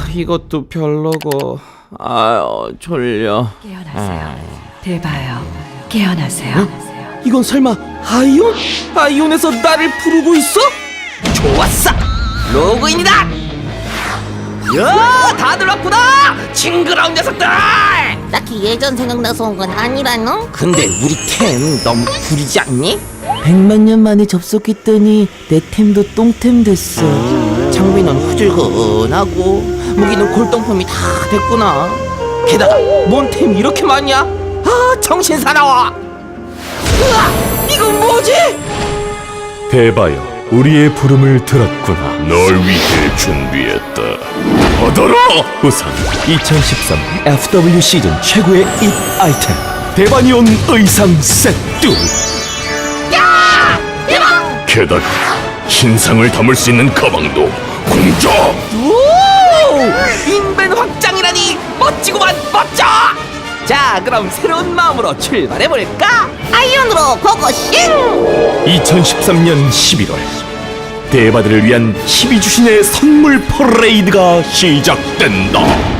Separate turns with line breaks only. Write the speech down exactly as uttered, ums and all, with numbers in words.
이것도 별로고. 아유, 졸려.
깨어나세요. 대봐요. 깨어나세요.
이건 설마 아이온? 아이온에서 나를 부르고 있어? 좋았어! 로그인이다! 야, 다들 왔구나! 징그러운 녀석들!
딱히 예전 생각나서 온 건 아니라노?
근데 우리 템 너무 구리지 않니?
백만 년 만에 접속했더니 내 템도 똥템 됐어.
장비는 후줄근하고 무기는 골동품이 다 됐구나. 게다가 뭔 템이 이렇게 많냐? 아, 정신 사나워! 으아! 이건 뭐지?
대바여, 우리의 부름을 들었구나. 널 위해 준비했다. 받아라! 우선 이천십삼 에프더블유 시즌 최고의 잇 아이템 대바니온 의상 세트. 게다가 신상을 담을 수 있는 가방도 공짜.
오! 인벤 확장이라니 멋지구만, 멋져! 자, 그럼 새로운 마음으로 출발해볼까?
아이언으로 고고싱!
이천십삼 년 십일월 대바들을 위한 십이 주신의 선물 퍼레이드가 시작된다.